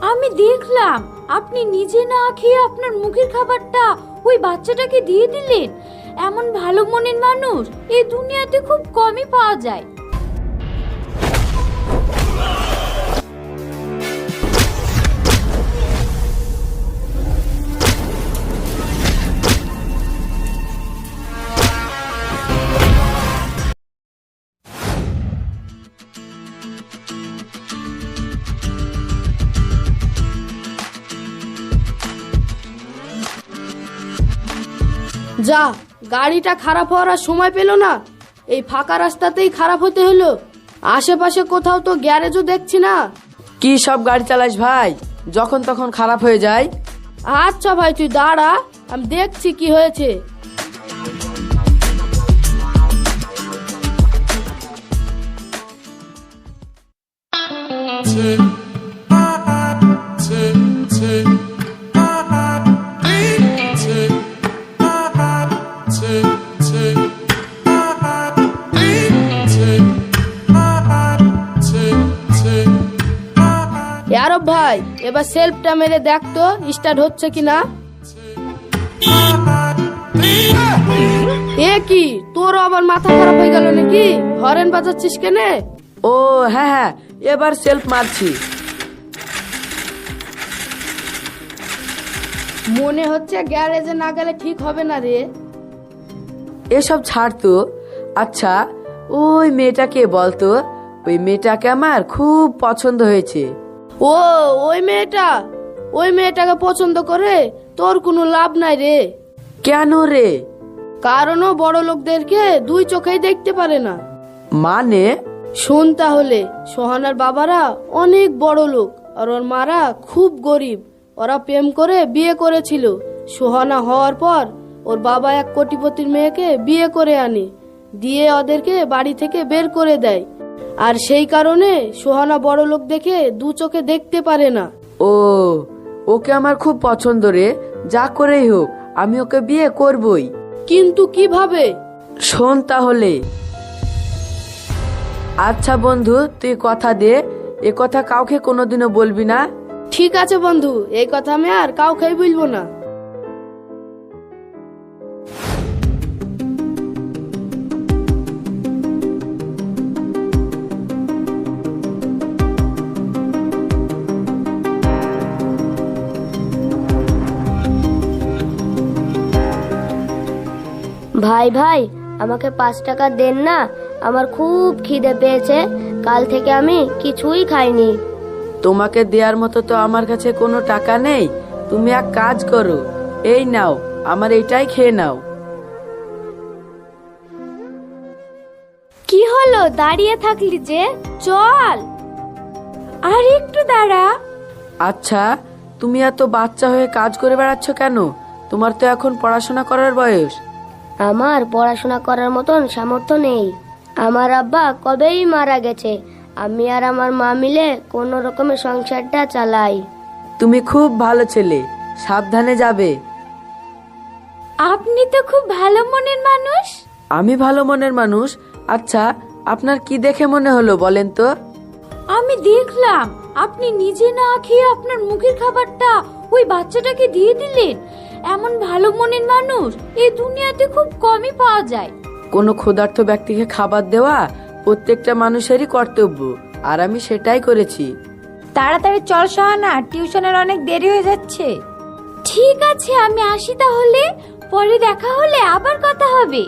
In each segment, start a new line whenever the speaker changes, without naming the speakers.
আমি দেখলাম আপনি নিজে না খেয়ে আপনার মুখের খাবারটা ওই বাচ্চাটাকে দিয়ে দিলেন। এমন ভালো মনের মানুষ এই দুনিয়াতে খুব কমই পাওয়া যায়।
যা, গাড়িটা খারাপ হওয়ার আর সময় পেল না, এই ফাঁকা রাস্তাতেই খারাপ হতে হলো। আশেপাশে কোথাও তো গ্যারেজও দেখছি না।
কি সব গাড়ি চালাস ভাই, যখন তখন খারাপ হয়ে যায়?
আচ্ছা ভাই, তুই দাঁড়া, আমি দেখছি কি হয়েছে। আরব ভাই, এবার সেলফটা মেরে দেখ তো স্টার্ট হচ্ছে কিনা। এ কি, তোর আবার মাথা খারাপ হয়ে গেল নাকি? হরেন বাজাচ্ছিস কেনে?
ও হ্যাঁ হ্যাঁ, এবার সেলফ মারছি।
মনে হচ্ছে গ্যারেজে না গেলে ঠিক হবে না রে।
এসব ছাড় তো। আচ্ছা, ওই মেয়েটাকে বলতো, ওই মেয়েটাকে আমার খুব পছন্দ হয়েছে।
ও ওই মেয়েটাকে পছন্দ করে তোর কোনো লাভ নাই রে।
কেন রে?
কারণ ও বড় লোকদেরকে দুই চোখেই দেখতে পারে না।
মানে?
শোন তাহলে, সোহানার বাবারা অনেক বড় লোক আর ওর মারা খুব গরিব। ওরা প্রেম করে বিয়ে করেছিল। সোহানা হওয়ার পর ওর বাবা এক কোটিপতির মেয়েকে বিয়ে করে আনে, দিয়ে ওদেরকে বাড়ি থেকে বের করে দেয়। আর সেই কারণে সোহানা বড় লোক দেখে দু চোখে দেখতে পারে না।
ও, ওকে আমার খুব পছন্দ রে। যা করেই হোক আমি ওকে বিয়ে করবই।
কিন্তু কিভাবে?
শোন তাহলে। আচ্ছা বন্ধু, তুই কথা দে, এ কথা কাউকে কোনোদিনও বলবি না।
ঠিক আছে বন্ধু, এই কথা আমি আর কাউকেই বলবো না।
ভাই ভাই, আমাকে 5 টাকা দেন না, আমার খুব খিদে পেয়েছে। কাল থেকে আমি কিছুই খাইনি।
তোমাকে দেওয়ার মতো তো আমার কাছে কোনো টাকা নেই। তুমি এক কাজ করো, এই নাও, আমার এইটাই খেয়ে নাও।
কি হলো, দাঁড়িয়ে থাকলি যে? চল। আর একটু দাঁড়া।
আচ্ছা, তুমি এত বাচ্চা হয়ে কাজ করে বেড়াচ্ছ কেন? তোমার তো এখন পড়াশোনা করার বয়স।
আমার পড়াশোনা করার মতন সামর্থ্য নেই। আমার আব্বা কবেই মারা গেছে। আমি আর আমার মা মিলে কোনো রকমে সংসারটা চালাই।
তুমি খুব ভালো ছেলে, সাবধানে যাবে।
আপনি তো খুব ভালো মনের মানুষ।
আমি ভালো মনের মানুষ? আচ্ছা, আপনার কি দেখে মনে হলো বলেন তো?
আমি দেখলাম আপনি নিজে না খেয়ে আপনার মুখের খাবারটা ওই বাচ্চাটাকে দিয়ে দিলেন। এমন ভালো মনের মানুষ এই দুনিয়াতে খুব কমই পাওয়া যায়।
কোনো ক্ষুধার্ত ব্যক্তিকে খাবার দেওয়া প্রত্যেকটা মানুষেরই কর্তব্য, আর আমি সেটাই করেছি।
তাড়াতাড়ি চল সোহানা, টিউশনের অনেক দেরি হয়ে যাচ্ছে। ঠিক আছে, আমি আসি তাহলে। পরে দেখা হলে আবার কথা হবে।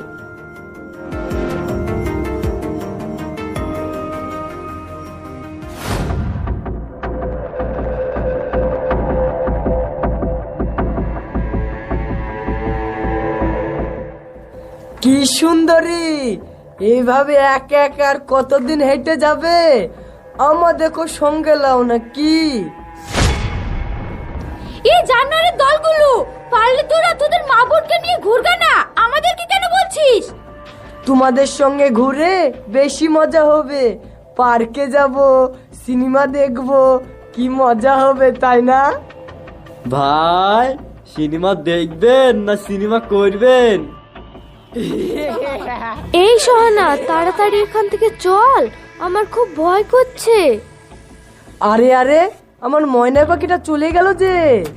কি সুন্দরী, এইভাবে একা একা আর কতদিন হেঁটে যাবে? আমাদেরকে সঙ্গে লাও না কি?
এই জানোয়ারের দলগুলো, পারলে তোরা তোদের মা বোনকে নিয়ে ঘুরগা না, আমাদেরকে কেন বলছিস?
তোমাদের সঙ্গে ঘুরে বেশি মজা হবে। পার্কে যাব, সিনেমা দেখব, কি মজা হবে, তাই না?
ভাই, সিনেমা দেখবেন না সিনেমা করবেন?
এই সোহানা, তাড়াতাড়ি এখান থেকে চল, আমার খুব ভয় করছে।
আরে আরে, আমার ময়না পাখিটা চলে গেল যে।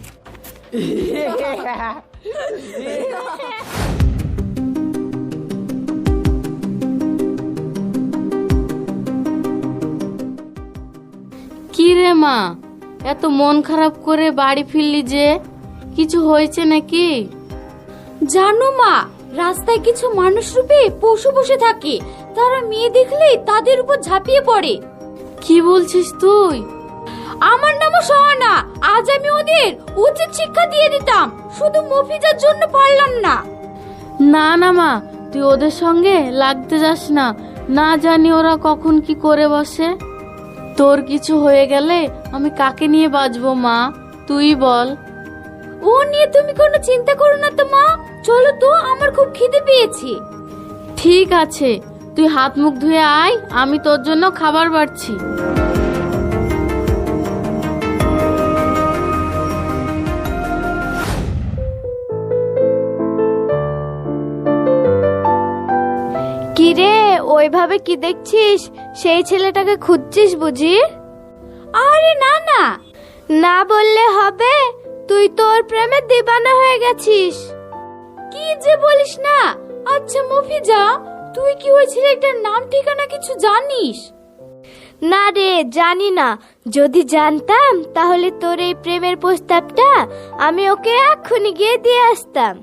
কি রে মা, এত মন খারাপ করে বাড়ি ফিরলি যে, কিছু হয়েছে নাকি?
জানো মা, রাস্তায় কিছু মানুষ রূপে পশু বসে থাকে, তারা মেয়ে দেখলেই তাদের উপর ঝাঁপিয়ে পড়ে।
কি বলছিস তুই?
আমার নামও সোহানা। আজ আমি ওদের উচিত শিক্ষা দিয়ে দিতাম, শুধু মফিজার জন্য পারলাম না।
না না মা, তুই ওদের সঙ্গে লাগতে যাস না, না জানি ওরা কখন কি করে বসে। তোর কিছু হয়ে গেলে আমি কাকে নিয়ে বাঁচবো মা, তুই বল।
ও নিয়ে তুমি কোনো চিন্তা করো না তো মা, চলো তো, আমার খুব খিদে পেয়েছে।
ঠিক আছে, তুই হাত মুখ ধুয়ে আয়, আমি তোর জন্য খাবার বাড়ছি।
কি রে, ওইভাবে কি দেখছিস? সেই ছেলেটাকে খুঁজছিস বুঝি?
আরে না না,
না বললে হবে, তুই তোর প্রেমে দিবানা হয়ে গেছিস।
কি যে বলিস না। আচ্ছা মফিজা, তুই কি ওই ছেলেটার নাম ঠিকানা কিছু জানিস?
না রে, জানি না। যদি জানতাম তাহলে তোর এই প্রেমের প্রস্তাবটা আমি ওকে এক্ষুনি গিয়ে দিয়ে আসতাম।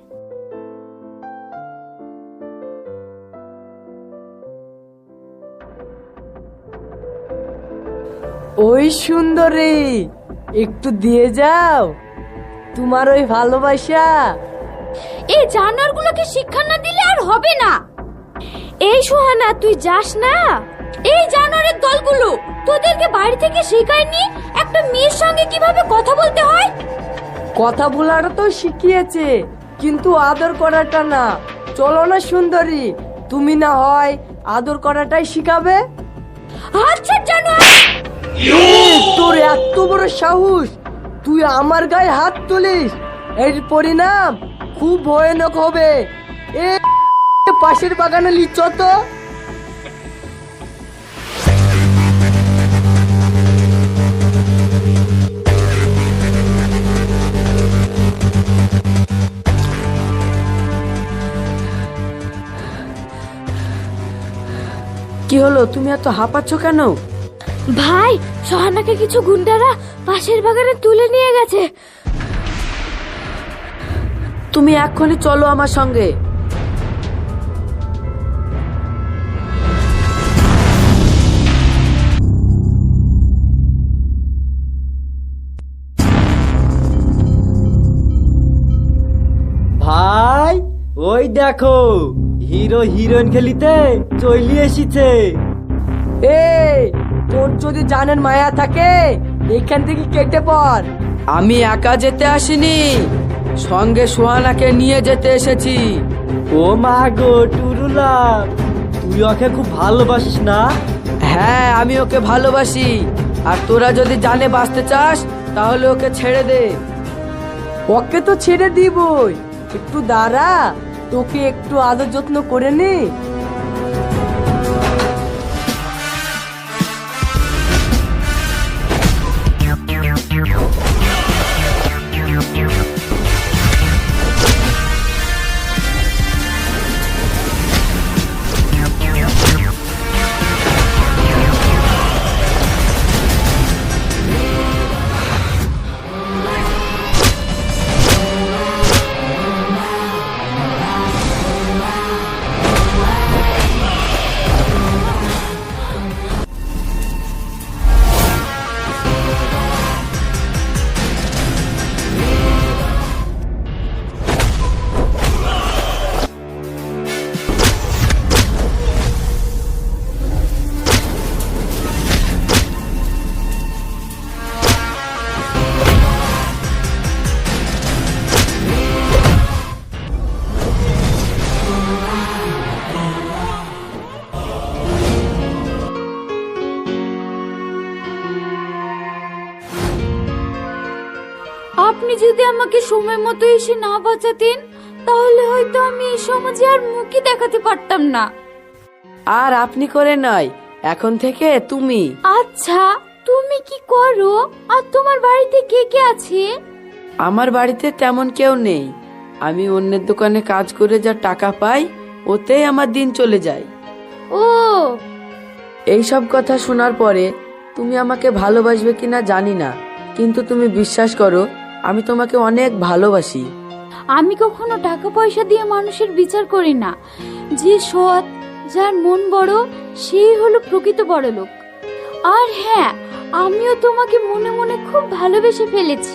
ওই সুন্দরী, একটু দিয়ে যাও তোমার ওই ভালোবাসা।
এই জানোয়ারগুলোকে শিক্ষা না দিলে আর হবে না।
এই সোহানা, তুই যাস না।
এই জানোয়ারের দলগুলো তোদেরকে বাড়ি থেকে শেখায়নি একটা মেয়ের সঙ্গে কিভাবে কথা বলতে হয়?
কথা বলাটা তো শিখিয়েছে, কিন্তু আদর করাটা না। চলো না সুন্দরী, তুমি না হয় আদর করাটাই শিখাবে।
আচ্ছা জানোয়ার,
তোর এত বড় সাহস, তুই আমার গায়ে হাত তুলিস, এর পরিণাম খুব ভয়ানক হবে। এ পাশের বাগানে লিচ তো।
কি হলো, তুমি এত হাঁপাচ্ছ কেন?
ভাই, সোহানাকে কিছু গুন্ডারা পাশের বাগানে তুলে নিয়ে গেছে।
তুমি এক্ষুনি চলো আমার সঙ্গে।
ভাই, ওই দেখো হিরো হিরোইন খেলিতে চলে এসেছে।
এই, তোর যদি জানেন মায়া থাকে এখান থেকে কেটে পড়।
আমি একা যেতে আসিনি, সঙ্গে সোহানাকে নিয়ে যেতে এসেছি।
ও মা গো টুরুলা, তুই ওকে খুব ভালোবাসিস না?
হ্যাঁ, আমি ওকে ভালোবাসি। আর তোরা যদি জানে বাঁচতে চাস তাহলে ওকে ছেড়ে দে।
ওকে তো ছেড়ে দিবই, একটু দাঁড়া, তোকে একটু আদর যত্ন করে নি।
আপনি যদি আমাকে সময় মতো এসে না বাঁচাতেন, তাহলে হয়তো আমি এই সমাজে আর মুখই দেখাতে পারতাম না।
আর আপনি করে নয়, এখন থেকে তুমি।
আচ্ছা, তুমি তুমি কি করো? আর তোমার বাড়িতে কে কে আছে?
আমার বাড়িতে তেমন কেউ নেই। আমি অন্যের দোকানে কাজ করে যা টাকা পাই ওতেই আমার দিন চলে যায়।
ও,
এই সব কথা শোনার পরে তুমি আমাকে ভালোবাসবে কিনা জানি না, কিন্তু তুমি বিশ্বাস করো আমি তোমাকে অনেক ভালোবাসি।
আমি কখনো টাকা পয়সা দিয়ে মানুষের বিচার করি না। যে সৎ, যার মন বড়, সেই হলো প্রকৃত বড় লোক। আর হ্যাঁ, আমিও তোমাকে মনে মনে খুব ভালোবেসে ফেলেছি।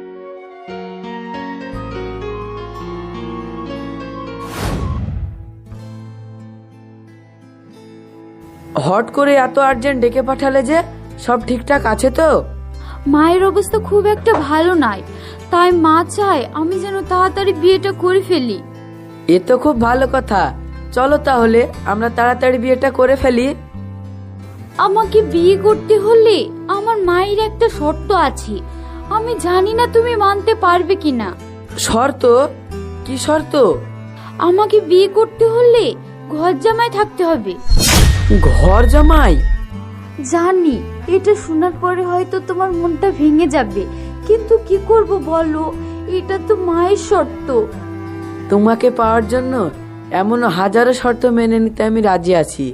হট করে এত আর্জেন্ট ডেকে পাঠালে যে, সব ঠিকঠাক আছে তো?
মায়ের অবস্থা খুব একটা ভালো নয়, তাই মা চায় আমি যেন তাড়াতাড়ি বিয়েটা করে ফেলি।
এ তো খুব ভালো কথা। চলো তাহলে আমরা তাড়াতাড়ি বিয়েটা করে ফেলি।
আমাকে বিয়ে করতে হলে আমার মায়ের একটা শর্ত আছে, আমি জানি না তুমি মানতে পারবে কিনা।
শর্ত? কি শর্ত?
আমাকে বিয়ে করতে হলে ঘর জামাই থাকতে হবে।
ঘর জামাই?
জানি এটা শোনার পরে হয়তো তোমার মনটা ভেঙে যাবে, কিন্তু কি করব বলো, এটা তো মায়ের শর্ত।
তোমাকে পাওয়ার জন্য এমন হাজারো শর্ত মেনে নিতে আমি রাজি আছি।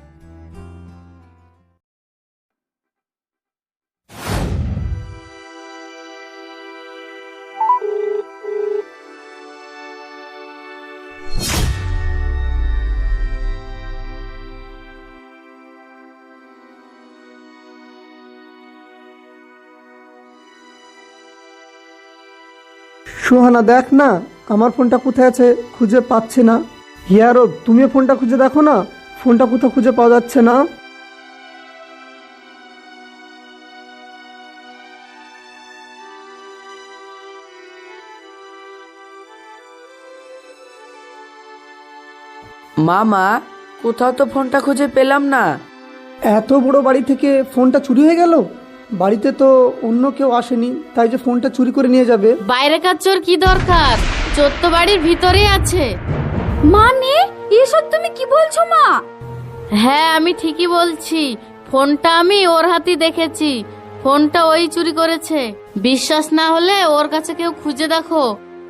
সোহানা, দেখ না আমার ফোনটা কোথায় আছে, খুঁজে পাচ্ছি না। হিয়ারো, তুমিও ফোনটা খুঁজে দেখো না, ফোনটা কোথাও খুঁজে পাওয়া যাচ্ছে না।
মামা, কোথাও তো ফোনটা খুঁজে পেলাম না।
এত বড় বাড়ি থেকে ফোনটা চুরি হয়ে গেল? বাড়িতে তো অন্য কেউ আসেনি, তাই যে ফোনটা চুরি করে নিয়ে যাবে।
বাইরেকার চোর কি দরকার, চোর তো বাড়ির ভিতরেই আছে।
মানে এসব তুমি কি বলছো মা?
হ্যাঁ, আমি ঠিকই বলছি। ফোনটা আমি ওর হাতেই দেখেছি। ফোনটা ওই চুরি করেছে। বিশ্বাস না হলে ওর কাছে কেউ খুঁজে দেখো।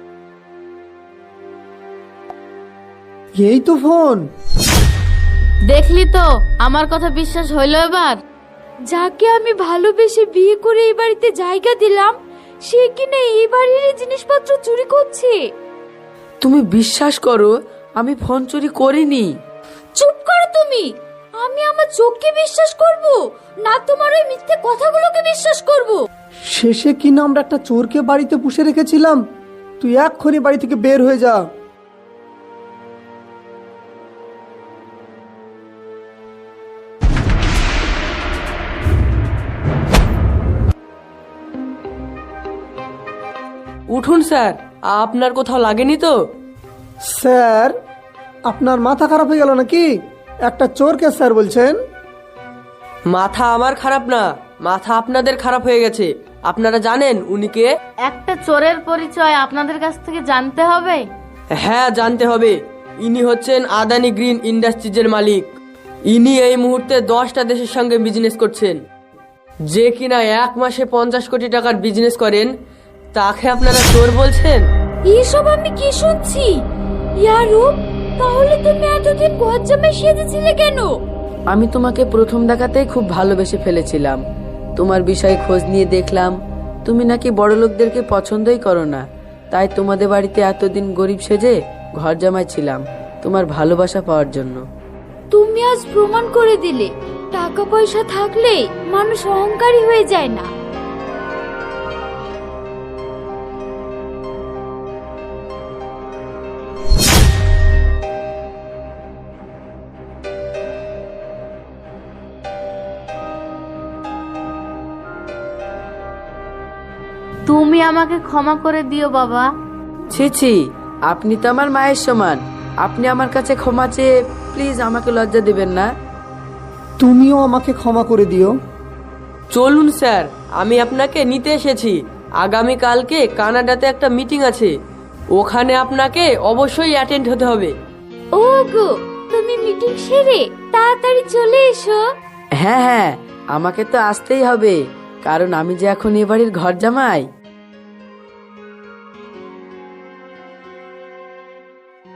এই তো ফোন।
দেখলি তো, আমার কথা বিশ্বাস হইলো এবার?
যাকে আমি ভালোবেসে বিয়ে করে এই বাড়িতে জায়গা দিলাম, সে কিনা এই বাড়ির জিনিসপত্র চুরি করছে।
তুমি বিশ্বাস করো আমি ফোন চুরি করিনি।
চুপ করো তুমি। আমি আমার চোখকে বিশ্বাস করব না তোমার ওই মিথ্যে কথাগুলোকে বিশ্বাস করব?
শেষে কিনা আমরা একটা চোরকে বাড়িতে পুষে রেখেছিলাম। তুই এক্ষুনি বাড়ি থেকে বের হয়ে যা।
উঠুন স্যার, আপনার কোথাও লাগেনি তো?
স্যার, আপনার মাথা খারাপ হয়ে গেল নাকি? একটা চোরকে স্যার বলছেন?
মাথা আমার খারাপ না, মাথা আপনাদের খারাপ হয়ে গেছে। আপনারা জানেন উনি কে?
একটা চোরের পরিচয় আপনাদের কাছ থেকে জানতে হবে।
হ্যাঁ, জানতে হবে। ইনি হচ্ছেন আদানি গ্রিন ইন্ডাস্ট্রিজের মালিক। ইনি এই মুহূর্তে 10টা দেশের সঙ্গে বিজনেস করছেন। যে কিনা 1 মাসে 50 কোটি টাকার বিজনেস করেন, তাকে আপনারা চোর বলছেন?
এসব আমি কি শুনছি? ইয়ারু, তাহলে তুমি এতদিন ঘর জামাই সেজেছিলে কেন?
আমি তোমাকে প্রথম দেখাতেই খুব ভালোবেসে ফেলেছিলাম। তোমার বিষয়ে খোঁজ নিয়ে দেখলাম তুমি নাকি বড় লোকদেরকে পছন্দই করো না, তাই তোমাদের বাড়িতে এতদিন গরিব সেজে ঘর জামাই ছিলাম তোমার ভালোবাসা পাওয়ার জন্য।
তুমি আজ প্রমাণ করে দিলে টাকা পয়সা থাকলে মানুষ অহংকারী হয়ে যায় না।
তুমি আমাকে ক্ষমা করে দিও বাবা।
ছি ছি, আপনি তো আমার মায়ের সমান। আপনি আমার কাছে ক্ষমা চেয়ে প্লিজ আমাকে লজ্জা দিবেন না।
তুমিও আমাকে ক্ষমা করে দিও।
চলুন স্যার, আমি আপনাকে নিতে এসেছি। আগামীকালকে কানাডাতে একটা মিটিং আছে, ওখানে আপনাকে অবশ্যই অ্যাটেন্ড হতে হবে।
ও গো, তুমি মিটিং সেরে তাড়াতাড়ি চলে এসো।
হ্যাঁ হ্যাঁ, আমাকে তো আসতেই হবে। কারণ আমি যে এখন এ বাড়ির ঘর জামাই।